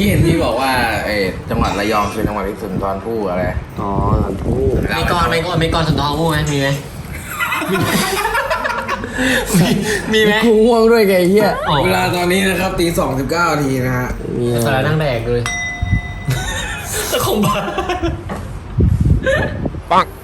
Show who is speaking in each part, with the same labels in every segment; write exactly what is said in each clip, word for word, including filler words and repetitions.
Speaker 1: กี้เห็นพี่บอกว่าเออจังหวัดระยองคือจังหวัดที่สุนทรภู่อะไร
Speaker 2: อ๋อสุนทรภู่
Speaker 3: มีกรมีกรมีกรสุนทรภู่ไหมมีไหมมีไหม
Speaker 2: กูง่วงด้วยไงเฮีย
Speaker 1: เวลาตอนนี้นะครับตีสองสิบเก้านาทีนะฮะ
Speaker 2: มี
Speaker 3: สาระนั่งแดกเลยตะคงบ้า
Speaker 2: ปัง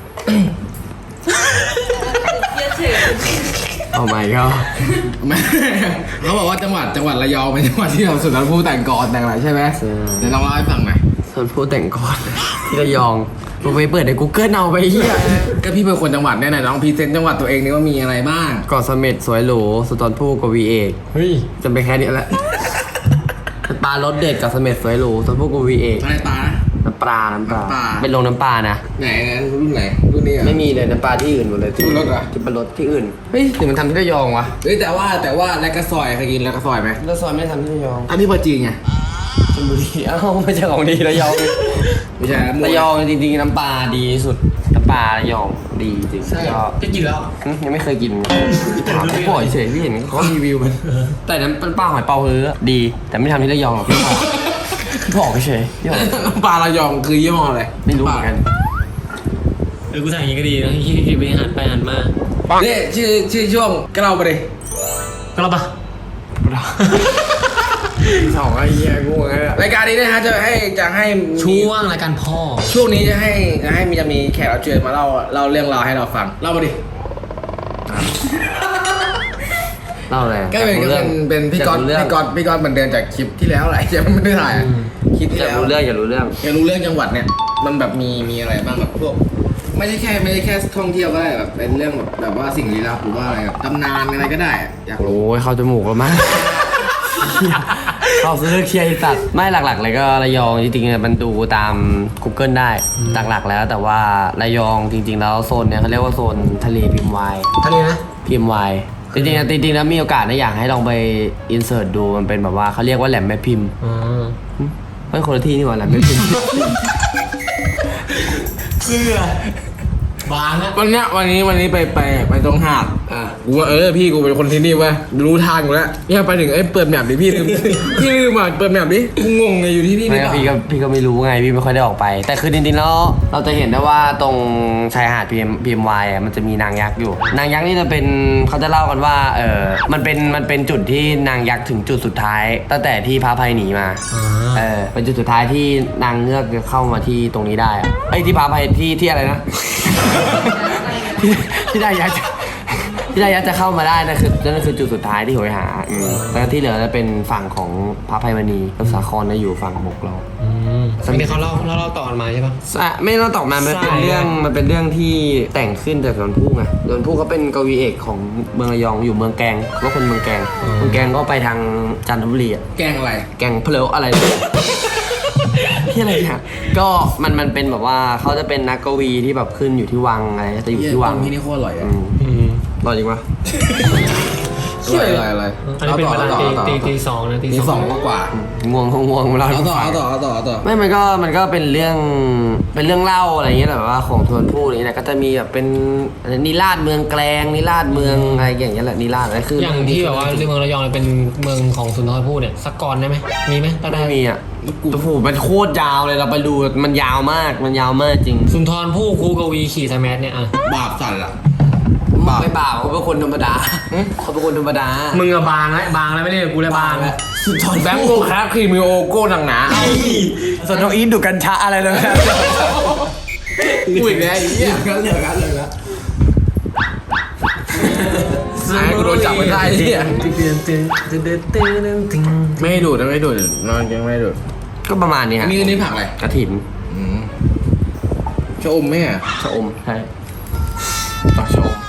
Speaker 2: เอาใหม่ก็
Speaker 1: เขาบอกว่าจังหวัดจังหวัดระยองเป็นจังหวัดที่เราสุนทรภู่แต่งกรแต่งอะไรใช่ไหมเดี๋ยวลองเล่าให้ฟังหน่อย
Speaker 2: สุนทรภู่แต่งก่อนที่ระยองกูไปเปิดใน Google เอาไปเฮีย
Speaker 1: ก็พี่เป็นคนจังหวัดเนี่ยไหนลองพรีเซนต์จังหวัดตัวเองนี่ว่ามีอะไรบ้าง
Speaker 2: เกาะเสม็ดสวยหรูสุนทรภู่กวีเอก
Speaker 3: เฮ้ย
Speaker 2: จำไปแค่นี้แหละปลารสเด็ดกับเสม็ดสวยหรูสุนทรภู่กวีเอก
Speaker 1: อะไรปลานะ
Speaker 2: น้ำปลาน้ำปลา
Speaker 1: น้ำปลา
Speaker 2: เป็นโรงน้ำปลานะ
Speaker 1: ไหนรุ่นไหนรุ่นนี้เหรอ
Speaker 2: ไม่มีเลยน้ำปลาที่อื่นหมดเลยที่
Speaker 1: ที่รถเหรอ
Speaker 2: ที่เป็นรถที่อื่นเฮ้ยหรือมันทำที่ระยองวะ
Speaker 1: เฮ้ยแต่ว่าแต่ว่าแลกกระซอยเคยกินแลกกระซอยไหม
Speaker 2: แล้วซอยไม่ได้ทำที่ระยอง
Speaker 1: อันนี้ปลาจีนไง
Speaker 2: ชลบุรีอ้าวไม่ใช่ของดีระยอง
Speaker 1: ไม่ใช่
Speaker 2: ระยองจริงๆน้ำปลาดีที่สุดน้ำปลาระยองดีจริง
Speaker 3: ใช่
Speaker 2: ก็
Speaker 3: จะกินแล้ว
Speaker 2: หึยังไม่เคยกินถามพี่บ่อยเฉยพี่เห็นเขารีวิวมันแต่น้ำปลาหอยเปาเฮือดี แต่ไม่ทำที่ระยองหรอกพี่บอกพี่บอกเฉยพี่บอก
Speaker 1: น้ำปลาระยองคือยี่ห้ออะไร
Speaker 2: ไม่รู้เหมือนกัน
Speaker 3: เออกูสั่งอย่างนี้ก็ดีนะที่ที่ไปหันไปหันมา
Speaker 1: นี่ชื่อชื่อช่วงก็เราไปดิ
Speaker 3: ก็แล้วปะ
Speaker 2: สองไอ้เหี้ยกูไง
Speaker 1: รายการนี้นะฮะจะให้จะให้มี
Speaker 3: ช่วงรายการพ่อ
Speaker 1: ช่วงนี้จะให้จะให้มีจะมีแขกรับเชิญมาเล่าเล่าเรื่องราวให้เราฟังเล่ามาดิ
Speaker 2: เล่าอะไร
Speaker 1: ก็เป็นก็เป็นเป็นพี่ก๊อต
Speaker 2: เรื่อง
Speaker 1: พี่ก๊อตพี่ก๊อตเหมือนเดิมจากคลิปที่แล้วแหละยังไม่ได้ถ่ายอะคลิปที่
Speaker 2: อยาก
Speaker 1: แล้ว
Speaker 2: รู้เรื่องอยากรู้เรื่อง
Speaker 1: อยากรู้เรื่องจังหวัดเนี่ยมันแบบมีมีอะไรบ้างแบบพวกไม่ใช่แค่ไม่ใช่แค่ท่องเที่ยวก็ได้แบบเป็นเรื่องแบบแบบว่าสิ่งลี้ลับหรือว่าอะไรแบบตำนานอะไรก็ได้อะอยากรู้
Speaker 2: โอ้ยเข้าจมูกแล้วมั้ง เข้าซื้อเคลียร์ไอ้สัตว์ไม่หลักๆเลยก็ระยองจริงๆมันดูตาม Google ได้หลักๆแล้วแต่ว่าระยองจริงๆแล้วโซนเนี้ยเขาเรียกว่าโซนทะเลพิมพ์วาย
Speaker 3: ทะเลนะ
Speaker 2: พิมพ์วายจริงๆจริงๆแล้วมีโอกาสนะอยากให้ลองไปอินเสิร์ตดูมันเป็นแบบว่าเขาเรียกว่าแหลมแม่พิมพ์
Speaker 3: อ๋อ
Speaker 2: ไม่คนละที่นี่หว่าแหลมแม่พิมพ์
Speaker 3: เสื้อบางนะ
Speaker 1: วันเนี้ยวันนี้วันนี้ไปไปไปตรงหาดอ่ะกูว่าเออพี่กูเป็นคนที่นี่เว้ยรู้ทางอยู่แล้วเนี่ยไปถึงเอ้ยเปิดแมปดิพี่ลืม พี่ลืมอ่ะเปิดแมปดิกูงงไงอยู่ที่นี่หรื
Speaker 2: ไม่
Speaker 1: อเป
Speaker 2: ก็
Speaker 1: ล่า
Speaker 2: พี่ก็พี่ก็ไม่รู้ไงพี่ไม่ค่อยได้ออกไป แต่คือจริงๆแล้วเราจะเห็นได้ว่าตรงชายหาดพีเอ็มพีเอ็มวายอ่ะมันจะมีนางยักษ์อยู่ นางยักษ์นี่จะเป็นเขาจะเล่ากันว่าเออมันเป็นมันเป็นจุดที่นางยักษ์ถึงจุดสุดท้าย ตั้งแต่ที่พระอภัยหนีมา
Speaker 3: อ่า
Speaker 2: เออเป็นจุดสุดท้ายที่นางเงือกจะเข้ามาที่ตรงนี้ได้อะไอ้ยที่พระอภัยที่ที่อะไรนะ ที่ที่นางยักษ์จะที่นางยักษ์จะเข้ามาได้นั่นคือนั่นคือจุดสุดท้ายที่โหยหาอืมแล้วที่เหลือจะเป็นฝั่งของพระอภัยมณีกับสาครนะอยู่ฝั่งบกเรา
Speaker 3: อืมอันนี้เขาเล่าเล่าเล่าต่อกันมาใช่ปะ
Speaker 2: อ่ะไม่ต้องตอบมามันเป็น
Speaker 3: ใช่
Speaker 2: เรื่องมันเป็นเรื่องที่แต่งขึ้นจากสวนผู้ไงสวนผู้เขาเป็นกวีเอกของเมืองระยองอยู่เมืองแกงว่าคนเมืองแกงเมืองแกงก็ไปทางจันทบุรีอ่ะ
Speaker 1: แกงอะไร
Speaker 2: แกงเพลวอะไร ที่อะไรเนี่ยก็มันมันเป็นแบบว่าเขาจะเป็นนักกวีที่แบบขึ้นอยู่ที่วังอะไรจะอยู่ที่วัง
Speaker 1: ที่นี่โคตรอร่อย
Speaker 2: อื
Speaker 1: อ่ะ
Speaker 2: ม
Speaker 3: อืม
Speaker 2: อร่อยจริงปะ
Speaker 1: อร่อยอร่อยอร่อย
Speaker 3: อันนี้เป็นเวลาตีตีตีสองนะตี
Speaker 1: ตีส
Speaker 3: ส
Speaker 1: อ
Speaker 3: อง ง
Speaker 1: กว่า
Speaker 2: ง่วงคงง่วงเวลา
Speaker 1: เอาต่อ
Speaker 2: ฟัง
Speaker 1: เอาต่อเอาต่อเอาต่อ
Speaker 2: ไม่มันก็มันก็เป็นเรื่องเป็นเรื่องเล่าอะไรอย่างเงี้ยแบบว่าของทวนผู้อะไรเงี้ยแหละก็จะมีแบบเป็นนิราศเมืองแกลงนิราศเมืองอะไรอย่างเงี้ยแหละนิราศอะไรคือ
Speaker 3: อย่างที่แบบว่าเมืองระยองเป็นเมืองของสุนทรภู่เนี่ยสักกรได้ไหมมีไหมถ้าได้
Speaker 2: ไม่มีอ่ะโอ้โหมันโคตรยาวเลยเราไปดูมันยาวมากมันยาวมากจริง
Speaker 3: สุนทรภู่ครูกวีขี่ไทยแมสเนี่ยอ่ะ
Speaker 1: บาปสั่นละ
Speaker 2: บาปไม่บาปเขาเป็นคนธรรมดาเขาเป็นคนธรรมดา
Speaker 3: มึงอะบางแล้วบางแล้วไม่ได้กูเลยบางแล้ว
Speaker 1: สุดทอนแบงค์โกคราฟครีมิโอโก้หนังหนา
Speaker 2: ส่วนน้องอีทดูกัญชาอะไรเลย
Speaker 1: อุ้ยแม่อีเหี้ยกันเหลือกันเลยนะไอ้กูโดนจับไม่ได้เหี้ยไม่ให้ดูดนะไม่ให้ดูดนอนยังไม่ให้ดูด
Speaker 2: ก็ประมาณนี้ฮะ
Speaker 1: นี่นี่ผักอะไร
Speaker 2: กระถิ่น
Speaker 1: อืมชะอมไหมอ่ะ
Speaker 2: ชะอมใช่
Speaker 1: ต่อชะอม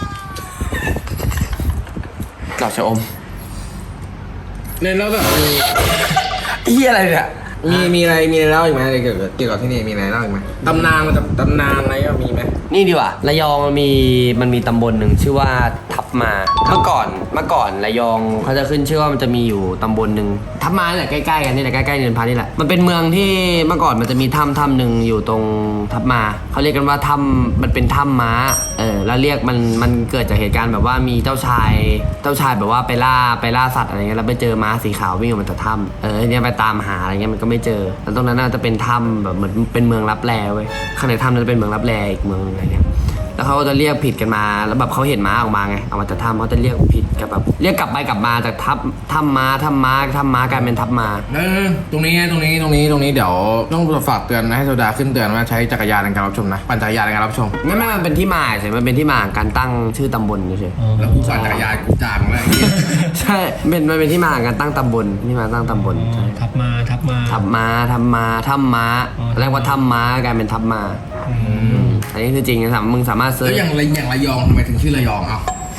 Speaker 2: ดอกชะอม
Speaker 1: เนี่ยแล้วแบบ
Speaker 2: เฮียอะไรเนี่ย
Speaker 1: มีมีอะไรมีอะไรเล่าอีกไหมอะไรเกี่ยวกับเกี่ยวกับที่นี่มีอะไรเล่าอีกไหมตำนานมันจะตำนานอะไรก็มีไหม
Speaker 2: นี่ดีกว่าระยองมันมีมันมีตำบลหนึ่งชื่อว่าทับมา เมื่อก่อนเมื่อก่อนระยองเขาจะขึ้นชื่อว่ามันจะมีอยู่ตำบลหนึ่งทับมาเนี่ยใกล้ๆกันนี่แหละใกล้ๆเนินพานี่แหละมันเป็นเมืองที่เมื่อก่อนมันจะมีถ้ำถ้ำหนึ่งอยู่ตรงทับมาเขาเรียกกันว่าถ้ำมันเป็นถ้ำม้าเออแล้วเรียกมันมันเกิดจากเหตุการณ์แบบว่ามีเจ้าชายเจ้าชายแบบว่าไปล่าไปล่าสัตว์อะไรเงี้ยแล้วไปเจอม้าสีขาววิ่งออกมาจากถ้ำเออเนี่ยไปตามหาอะไรเงี้ยมันก็ไม่เจอแล้วตรงนั้นน่าจะเป็นถ้ำแบบเหมือนเป็นเมืองลับแลเว้ยข้างในถ้ำนั้นเป็นเมืองลับแลอีกเมืองนึงอะไรเงี้ยแล้วเขาก็จะเรียกผิดกันมาแล้วแบบเขาเห็นม้าออกมาไงออกมาจากถ้ำเขาจะเรียกผิดกับแบบเรียกกลับไปกลับมาจากทับถ้ำม้าถ้ำม้าถ้ำม้ากลายเป็นทับมา
Speaker 1: เออตรงนี้ตรงนี้ตรงนี้ตรงนี้เดี๋ยวต้องฝากเตือนนะให้โซดาขึ้นเตือนว่าใช้จักรยานในการรับชมนะปั่นจักรยานในการรับชม
Speaker 2: ไม่ไม่มันเป็นที่มาใช่มันเป็นที่มาของการตั้งชื่อตำบลเฉย
Speaker 1: แล้วกูปั่นจักรยานกูจางแล้วไอ้เหี้ย
Speaker 2: ๆใช่เป็นมันเป็นที่มาของการตั้งตำบลที่มาตั้งตำบลใช่
Speaker 3: ทับมาทับมา
Speaker 2: ทับม้าทับม้าถ้ำม้า
Speaker 3: อ๋อ
Speaker 2: เรียกว่าถ้ำม้ากลายเป็นทับมาอันนี้คือจริงนะสามมึงสามารถเซิ
Speaker 1: แล้
Speaker 2: ร์
Speaker 1: ว
Speaker 2: ช
Speaker 1: อย่างไรอย่างระยองทำไมถึงชื่อระยองเอ้า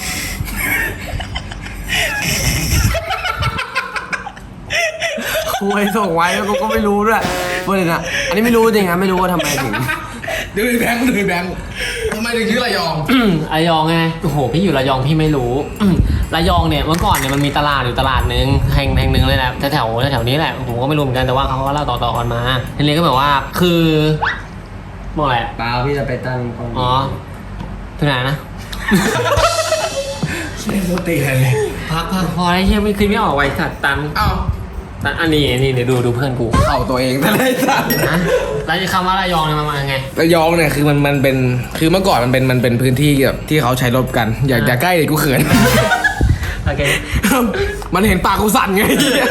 Speaker 2: คุยส่งไว้แล้วกูก็ไม่รู้ด้วยประเด็นอ่ะอันนี้ไม่รู้จริงนะไม่รู้ว่าทำไมถึง
Speaker 1: เดี๋ยวไอ้แบงค์เดี๋ยวไอ้แบงค์ทำไมถึงชื่อระยอง
Speaker 3: ระยองไงโอ้โหพี่อยู่ระยองพี่ไม่รู้ระยองเนี่ยเมื่อก่อนเนี่ยมันมีตลาดอยู่ตลาดหนึ่งแห่งแห่งหนึ่งเลยแหละแถวแถวแถวนี้แหละผมก็ไม่รู้เหมือนกันแต่ว่าเขาก็เล่าต่อๆกันมาทีนี้ก็แบบว่าคือบอกอะไร
Speaker 2: เปล่าพี่จะไปตั้งกล้อง
Speaker 3: อ๋อที่ไหนนะ
Speaker 1: ไม่โคตรตีเลย
Speaker 3: พักพักพอได้เชี่ยไม่คืนไม่ออกไว้สัตว์ตัน
Speaker 1: เอ้า
Speaker 3: ตันอันนี้นี่เดี๋ยวดูดูเพื่อนกู
Speaker 1: เข้าตัวเองแต่ไรสัตว์
Speaker 3: นะแล้วคำว่าระยองเนี่ยมันมาไง
Speaker 1: ระยองเนี่ยคือมันมันเป็นคือเมื่อก่อนมันเป็นมันเป็นพื้นที่แบบที่เขาใช้รบกัน อย่าอย่าใกล้เลยกูเขิน
Speaker 3: โอเค
Speaker 1: มันเห็นปากกูสั่นไง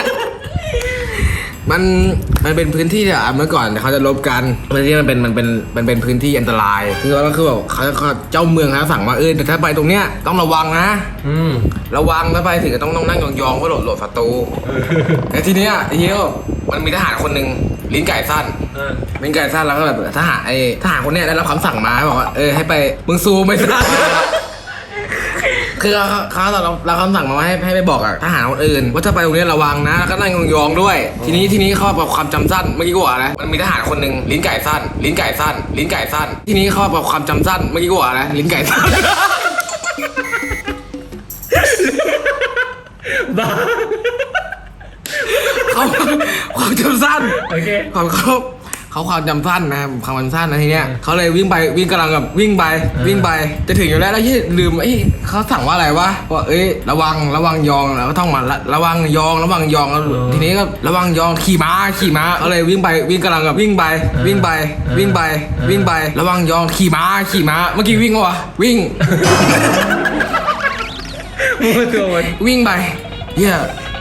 Speaker 1: มันมันเป็นพื้นที่อ่ะเมื่อก่อนเขาจะลบกันพื้นที่มันเป็นมันเป็นมันเป็นพื้นที่อันตราย คือก็คือแบบเขาเขาเจ้าเมืองเขาสั่งว่าเออแต่ถ้าไปตรงเนี้ยต้องระวังนะ
Speaker 3: อืม
Speaker 1: ระวังถ้าไปถึงก็ต้องต้องนั่งยองๆเพื่อหลบหลบศัตรูแต่ทีเนี้ยไอ้เหี้ยมันมีทหารคนหนึ่งลิ้นไก่สั้น
Speaker 3: เออ
Speaker 1: ลิ้นไก่สั้นแล้วก็แบบทหารไอ้ทหารคนเนี้ยได้รับคำสั่งมาบอกว่าเออให้ไปมึงซูมไปซะ คือเขาเขาเราเราคำสั่งมาว่าให้ให้ไปบอกอะทหารคนอื่นว่าถ้าไปตรงนี้ระวังนะแล้วก็นั่งยองๆด้วย ทีนี้ทีนี้เขาบอกความจำสั้นเมื่อกี้กูบอกอะไรมันมีทหารคนหนึ่งลิ้นไก่สั้น ลิ้นไก่สั้น ลิ้นไก่สั้น ทีนี้เขาบอกความจำสั้นเมื่อกี้กูบอกอะไรลิ้นไก่สั้น
Speaker 3: บ้า
Speaker 1: เขาความจำสั้น
Speaker 3: โอเค
Speaker 1: เขาเขาเขาความจำสั้นนะความจำสั้นนะทีเนี้ยเขาเลยวิ่งไปวิ่งกำลังแบบวิ่งไปวิ่งไปจะถึงอยู่แล้วแล้วที่ลืมไอ้ยเขาสั่งว่าอะไรวะว่าเอ้ยระวังระวังยองแล้วก็ท่องมาระระวังยองระวังยองแล้วทีนี้ก็ระวังยองขี่ม้าขี่ม้าเขาเลยวิ่งไปวิ่งกำลังแบบวิ่งไปวิ่งไปวิ่งไปวิ่งไประวังยองขี่ม้าขี่ม้าเมื่อกี้วิ่งวะวิ่ง
Speaker 3: มือตัวมัน
Speaker 1: วิ่งไปเฮีย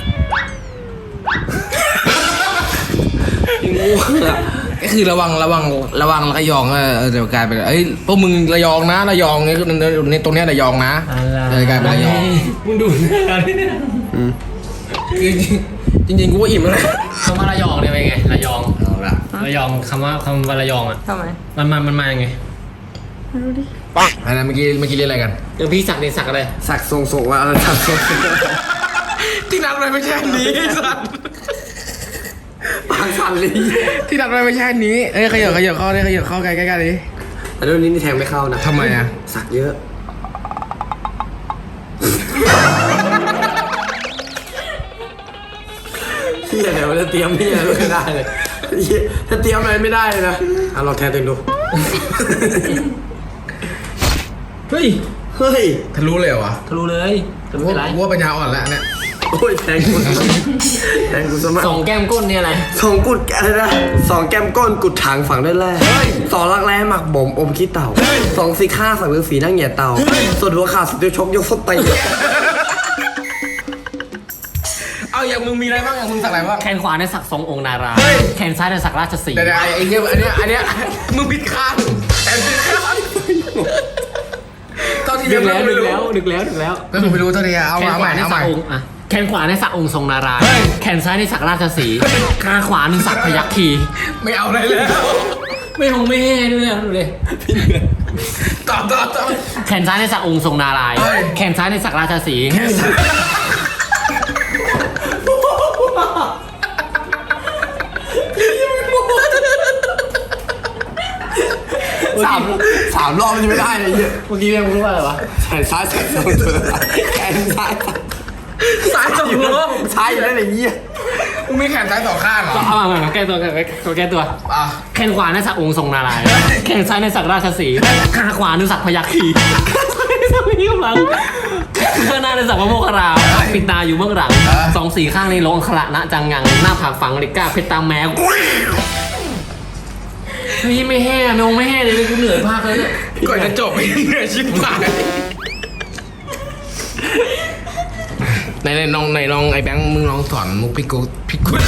Speaker 1: ก็คือระวังระวังระวังระยองเออเออเดี๋ยวกลายเป็นเอ้ยพวกมึงระยองนะระยองเนี่ยในตรงเนี้ยระยองนะเออกลายเป็นระยอง
Speaker 3: มึงดูหน้าดิเนี่ย
Speaker 1: คือจริงจริงๆกูว่าอิ่มแล้วนะ
Speaker 3: คำว่าระยองเนี่ยเป็นไงระยอง
Speaker 1: เอาละ
Speaker 3: ระยองคำว่าคำว่าระยองอ่ะ
Speaker 4: ทำไม
Speaker 3: มันมามันมายังไง
Speaker 1: อันนั้นเมื่อกี้เมื่อกี้เรียกอะไรกัน
Speaker 3: เดี๋ยวพี่สักเนี่ยสักอะไร
Speaker 2: สักทรงส่งว่าอะไรสักทรง
Speaker 1: ที่นัดไว้ไม่ใช่อันนี้สัตว์
Speaker 2: ปากสั่นเลย
Speaker 1: ที่นัดไว้ไม่ใช่อันนี้เอ้ยขยับขยับเข้าได้ขยับเข้าใกล้ใกล้ๆดิ
Speaker 2: อันนี้นี่แทงไม่เข้านะ
Speaker 1: ทำไมอ่ะ
Speaker 2: สักเยอะเฮียแต่ว่าจะเตรียมเฮียไม่ได้เลยเหี้ยถ้าเตรียมอะไรไม่ได้เลยนะเอาลองแทนตัวเองดู
Speaker 3: เฮ้ย
Speaker 2: เฮ้ย
Speaker 1: ทะลุเลยเหรอวะ
Speaker 3: ทะลุเลยจะไม่เป็นไร
Speaker 1: กูว่าปัญญาอ่อนแล้วเนี่ย
Speaker 2: โอ้ยแทงกูแทงกูสมัคร
Speaker 3: สองแก้มก้นเนี่ยอะไร
Speaker 2: สองกุดอะไรนะสองแก้มก้นกุดถางฝังด้วยแร่สองรักแร้หมักบ่มอมขี้เต่าสองสีข้าสังฤาษีนั่งเหยียดเต่าส่วนหัวขาดสุดจะชกยกส้นตี
Speaker 1: เอาอย่างมึงมีอะไรบ้างอย่างมึงสักอะไรบ้าง
Speaker 3: แขนขวาเนี่ยสักทรงองค์นารา
Speaker 1: เฮ้ย
Speaker 3: แขนซ้ายเนี่ยสักราชสีห์
Speaker 1: เดี๋ยวๆไอ้ไอ้เนี้ยอันเนี้ยอันเนี้ยมึงผิดข้างแอนผิดข้างตอนที่
Speaker 3: ดึ
Speaker 1: เรีย
Speaker 3: ก
Speaker 1: น
Speaker 3: แล้ว
Speaker 1: ไม่
Speaker 3: ดึก
Speaker 1: รู้
Speaker 3: แล้วดึกแล้วดึกแล้ว
Speaker 1: ก็ผมไม่รู้เท่านี้เอา
Speaker 3: แขน
Speaker 1: เอา
Speaker 3: ข
Speaker 1: ให
Speaker 3: วา
Speaker 1: ม่
Speaker 3: เนี่ย
Speaker 1: เอาให
Speaker 3: สั
Speaker 1: ม่
Speaker 3: กองค์อ่ะแขนขวาเนี่ยสักองค์ทรงนารายณ์
Speaker 1: เฮ้ย
Speaker 3: แขนซ้ายเนี่ยสักราชสีห์ขาขวาเนี่ยสักพยัคฆ์คี
Speaker 1: ไม่เอาอะไรแล้ว
Speaker 3: ไม่หงไม่แห่ด้วยนะดูดิ
Speaker 1: ต่อต่อต่อ
Speaker 3: แขนซ้ายเนี่ยสักองค์ทรงนารายณ์
Speaker 1: เฮ้ย
Speaker 3: แขนซ้ายเนี่ยสักราชสีห์
Speaker 2: สามสามรอบมันจะไม่ได้เลยเหี้ย
Speaker 3: เมื่อกี้ยังรู้ว่าอะไรวะ
Speaker 2: แขนซ้ายแขนสองตัวแขนซ้าย
Speaker 1: ซ้ายสองมือ
Speaker 2: ซ้ายอยู่ได้เลยเหี้ย
Speaker 1: มึงมีแขนซ้ายสองข้างเหรอ
Speaker 3: เอามามาแก้ตัวแก้ตัวแก้ตัว
Speaker 1: อ่ะ
Speaker 3: แขนขวาในสักองค์ทรงนารายณ์แขนซ้ายในสักราชสีห์ขาขวาในสักพยัคฆ์ขีสักนี้กำลังข้างหน้าในสักพระโมคคัลลาปิดตาอยู่เบื้องหลังสองสี่ข้างในลงอัคระนะจังงังหน้าผากฝังเหล็กกล้าเพชรตามแมวเฮ้ยไม่แห่ไม่องไม่แห่เลยกูเหนื่อยมากเลยเนี่ย
Speaker 1: ก่อนจะจบเหนื่อยชิบหายในในน้องในน้องไอ้แบงค์มึงลองสอนมุกพี่กูพี่กู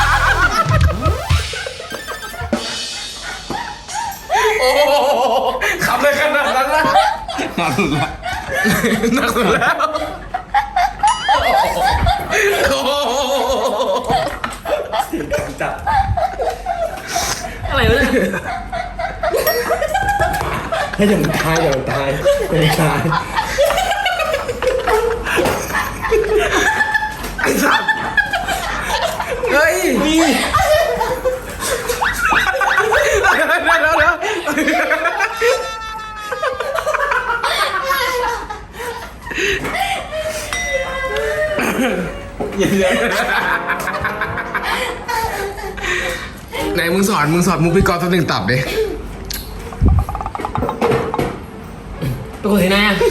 Speaker 1: โอ้ขำเลยขนาดนั้นละ
Speaker 2: นอนหลุดละ
Speaker 1: หนักสุดแล้วโอ้
Speaker 2: จับ
Speaker 3: อะไรวะเนี่ย
Speaker 2: ให้อย่ามันตายอย่ามันตายอย่ามันตาย
Speaker 1: ไอ้สัตว์เฮ้ยนี่เดี๋ยวเดี๋ยวเดี๋ยวไหนมึงสอนมึงสอนมุกพี่กอล์ฟสักหนึ่งตับดิ
Speaker 3: เป็นคนที่ไหนอะ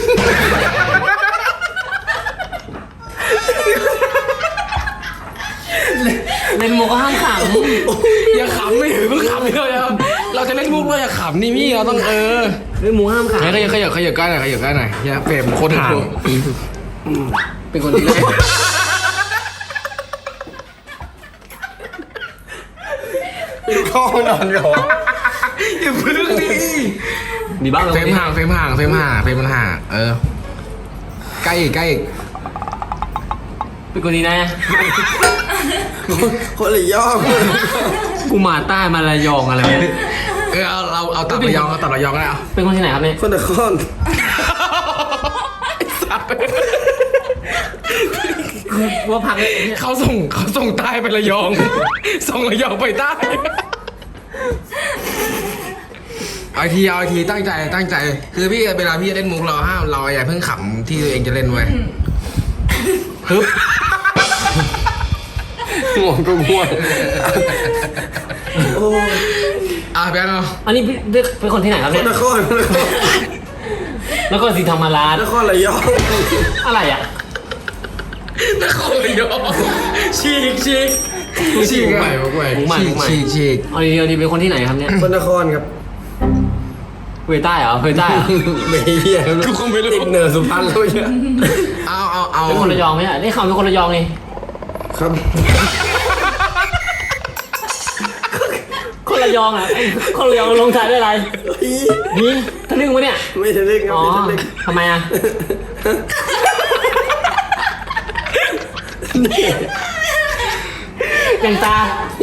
Speaker 3: เล่นมุกก็ห้ามข
Speaker 1: อย่าขำไม่ถือเพิ่งขำเลยอะเราจะเล่นมุกเราอย่าขำนี่พี่เราต้องเออ
Speaker 3: ำเล่นมุกห้ามข
Speaker 1: ขยับขยับขยับขยับกันหน่อยขยับกันหน่อยอย่าเฟรมโคตรห่าง
Speaker 3: ำเป็นคนที่ไหน
Speaker 2: เข้านอนก่อน
Speaker 1: อย่าพึ่งดิ
Speaker 3: มีบ้าง
Speaker 1: เฟรมห่างเฟรมห่างเฟรมห่างเฟรมมันห่างเออใกล้อีกใกล้อีก
Speaker 3: เป็นคนที่ไหน
Speaker 2: คนละย่อม
Speaker 3: กูมาใต้มาระยองอะไรวะเนี่ย
Speaker 1: เออเอาเราเอาตับระยองเอาตับระยองก็ได้เอา
Speaker 3: เป็นคนที่ไหนครับเนี่ย
Speaker 2: คนละคน
Speaker 3: ว่าพักเลยเนี่ย
Speaker 1: เขาส่งเขาส่งใต้ไประยอง ส่งระยองไปใต้เอาอีกทีเอาอีกทีตั้งใจตั้งใจ คือพี่เวลาพี่จะเล่นมุกเราห้ามเราอย่าเพิ่งขำที่ตัวเองจะเล่นไว้ฮึบ
Speaker 2: ง่วงก็ง่วง
Speaker 1: อ่ะแบงค์เอา
Speaker 3: อันนี้พี่เป็นคนที่ไหนครับ
Speaker 2: ค
Speaker 3: เนี่ย
Speaker 2: นละคนคนละคน
Speaker 3: แล้วก็สีธรรมราช
Speaker 2: นครระยอง
Speaker 3: อะไรอ่ะ
Speaker 1: นครระยองฉีกฉีกฉีก
Speaker 2: ใหม่ใหม่
Speaker 3: มุกใหม่
Speaker 1: ฉี
Speaker 3: มุ
Speaker 1: ก
Speaker 3: กใหม่
Speaker 1: ฉีกฉีก
Speaker 3: เอาดีเอาดีเป็นคนที่ไหนครับเนี่ย
Speaker 2: คนนครครับ
Speaker 3: เวยใต้เหรอเวยใต้เหรอ
Speaker 2: ไม่เหี้ย
Speaker 1: กูคงไม่รู้
Speaker 2: ติดเหนือสุพรรณแล้วเนี่ย
Speaker 1: เอาเอาเอา
Speaker 3: เป็นคนระยองไหมอ่ะนี่เขาเป็นคนระยองนี่
Speaker 2: ครับ
Speaker 3: คนระยองอ่ะไอ้คนระยองลงท้ายด้วยอะไรนี่ทะลึ่งวะเนี่ย
Speaker 2: ไม่ทะลึ่งครับ
Speaker 3: อ๋อ
Speaker 2: ไม่ทะลึ่ง
Speaker 3: ทำไมอ่ะอย่างตา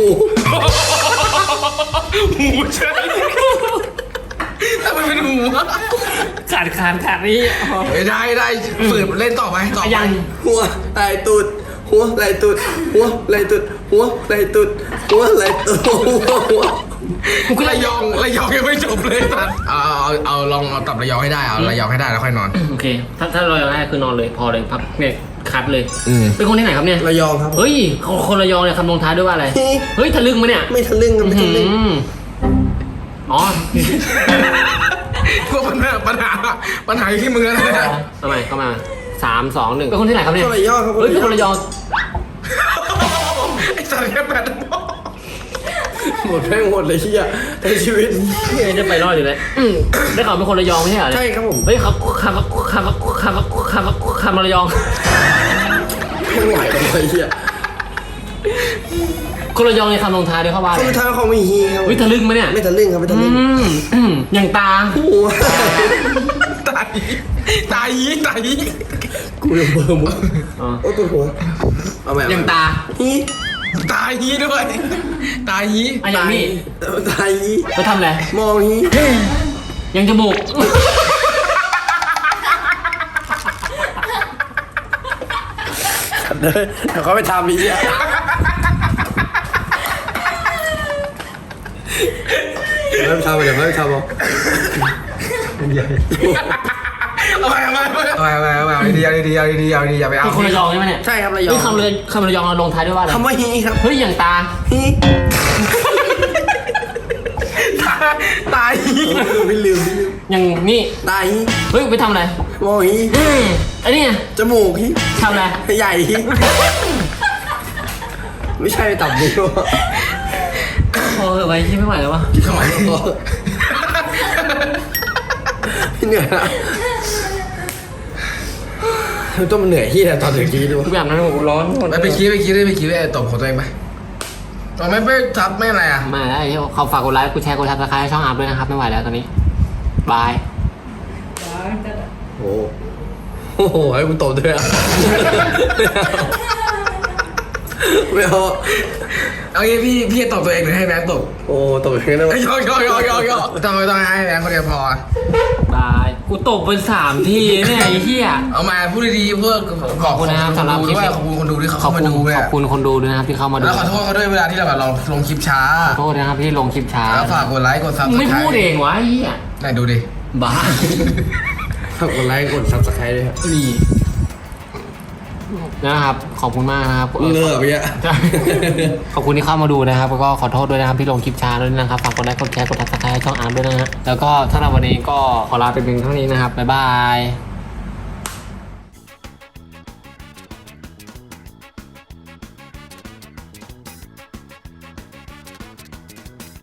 Speaker 1: หมูใช่ถ้ามันเป็นหมูอะ
Speaker 3: ขาดขาดขาดนี่
Speaker 1: ไม่ได้ได้ฝืนเล่นต่อไปต่อไป
Speaker 3: ยัง
Speaker 2: หัวไหลตุดหัวไหลตุดหัวไหลตุดหัวไหลตุดหัวไหลตุดหัวหัว
Speaker 1: กูก็ระยองระยองยังไม่จบเลยสัตว์เอาเอาเอาลองเอาตับระยองให้ได้เอาระยองให้ได้แล้วค่อยนอน
Speaker 3: โอเค ถ้าถ้าเราอยากได้คือนอนเลยพอเลยพักเนี่ยคัดเลย
Speaker 1: อืม
Speaker 3: เป็นคนที่ไหนครับเนี่ย
Speaker 2: ระยองครับ
Speaker 3: เฮ้ยคนคนระยองเนี่ยคำลงท้ายด้วยว่าอะไร เฮ้ยทะลึ่งมะเนี่ย
Speaker 2: ไม่ทะลึ่งครับไม่ทะลึ่ง
Speaker 3: อืมอ๋อ
Speaker 1: พวกปัญหาปัญหาปัญหาอยู่ที่มึงแล้วนะ
Speaker 3: ทำไมเข้ามาสามสองหนึ่งเป็นคนที่ไหนครับเนี่ย
Speaker 2: คนระยองครับ
Speaker 3: เฮ้ยเป็นคนระยอง
Speaker 1: ไอ้สัตว์แค่แปด
Speaker 2: หมดแม่งหมดเลยเฮียในชีวิต
Speaker 3: เฮ้ยจะไปรอดอยู่เลยอืมได้ข่าวเป็นคนระยองไม่ใช่เหรอเนี่ย
Speaker 2: ใช่ครับผม
Speaker 3: เฮ้ยเขาคำคำคำคำคำระยอง
Speaker 2: ไม่ไหวเลยเฮีย
Speaker 3: คนระยองในคำลงท้ายด้วยเขาว่า
Speaker 2: เขาไม่ท้าเขาไม่ฮีครับ
Speaker 3: วิทะลึ่งมะเนี่ย
Speaker 2: ไม่ทะลึ่งครับไม่ทะ
Speaker 3: อื
Speaker 2: ลึ่ง
Speaker 3: มอืมอย่างตา
Speaker 2: หัว
Speaker 1: ตายตายยีตายยี
Speaker 2: กูยังเบอร์มุก
Speaker 3: อ๋อ
Speaker 2: โอ้ตัวหัวเอาแบบ
Speaker 3: อย่างตา
Speaker 2: ฮี
Speaker 1: ตายยีด้วยตายยี
Speaker 3: อ่ะอย่างนี้
Speaker 2: ตายฮี
Speaker 3: ไปทำอะไร
Speaker 2: มองฮี
Speaker 3: ยังจมูก
Speaker 2: เดี๋ยวเดี๋ยวเขาไปทำอีกอ่ะเดี๋ยวเขาไปทำเดี๋ยวเขาไปทำเอา
Speaker 1: เอาไปเอาไปเอาไปเอาไปเอาไปเอาดีเอาดีเอาดีเอาดีอย่าไปเอา
Speaker 3: เป็นคนระยองใช่ไหมเนี่ย
Speaker 2: ใช่ครับระยอง
Speaker 3: นี่คำเลยคำระยองเราลงท้ายด้วยว่าอะไร
Speaker 2: คำว่าฮีครับ
Speaker 3: เฮ้ยอย่างตา
Speaker 2: ฮี
Speaker 1: ตาย
Speaker 2: ไม่ลืมไม่ลืม
Speaker 3: อย่างนี่
Speaker 2: ตาฮี
Speaker 3: เฮ้ยไปทำอะไร
Speaker 2: โมฮี
Speaker 3: อืมอันนี้ไง
Speaker 2: จมูกฮี
Speaker 3: ทำอะไร
Speaker 2: ใหญ่ฮีไม่ใช่ตับนิ้ว
Speaker 3: โอ้ยไปที่ไม่ไหวแล้ววะ
Speaker 1: ทำไม
Speaker 2: เหนื่อยละต้องมันเหนื่อยที่แต่ตอนถึงกี้ดู
Speaker 3: ทุกอย่างนั้นผมร้อนหมด
Speaker 1: ไปไปคิดไปคิดไปคิดไปตบของตัวเองไปตอนไม่ไปทับไม่อะไรอ่ะ
Speaker 3: มาได้ที่เขาฝากกดไลค์กดแชร์กดซับสไครต์ช่องอัพด้วยนะครับไม่ไหวแล้วตอนนี้บาย
Speaker 2: โอ้โอ้โหให้กูตบด้วยอ่ะไม่เอา
Speaker 1: เอางี้พี่พี่ตบตัวเองหรือให้แบงค์ตบ
Speaker 2: โอ้ตบอย่างนี้ได้ไหม
Speaker 1: ยอกยอกยอกยอกยอกต้องไม่ต้องให้แบงค์คนเดียวพอบ
Speaker 3: ายกูตบไปสามทีเนี่ยไอ้เหี้ย
Speaker 1: เอามาพูดดีๆเพื่อ
Speaker 3: ขอบคุณนะครับสำหรับคลิป
Speaker 1: ด้วยขอบคุณคนดูที่เขา
Speaker 3: ขอบ
Speaker 1: เข้ามา
Speaker 3: คุณ
Speaker 1: ดูด้วย
Speaker 3: ขอบคุณคนดูด้วยนะครับที่เข้ามาดู
Speaker 1: แล้วขอโทษเขาด้วยเวลาที่เราแบบเราลงคลิปช้า
Speaker 3: ขอโทษนะครับที่ลงคลิปช้า
Speaker 1: แล้วฝากกดไลค์กดซับส
Speaker 3: มึง
Speaker 1: ไคร
Speaker 3: ไม่
Speaker 1: ต์
Speaker 3: พูดเองวะไอ้เหี้ย
Speaker 1: ไหนดูดิ
Speaker 3: บ้า
Speaker 2: ฝากกดไลค์กดซับสไครต์ด้วยครับ
Speaker 3: นี่นะครับขอบคุณมากนะครับ
Speaker 2: เงือบไปเยอะ
Speaker 3: ใช่ขอบคุณที่เข้ามาดูนะครับแล้วก็ขอโทษด้วยนะครับที่ลงคลิปช้าด้วยนะครับฝากกดไลค์กดแชร์กดติดตามช่องอาร์มด้วยนะฮะแล้วก็ถ้าในวันนี้ก็ขอลาไปเพียงเท่านี้นะครับบ๊ายบาย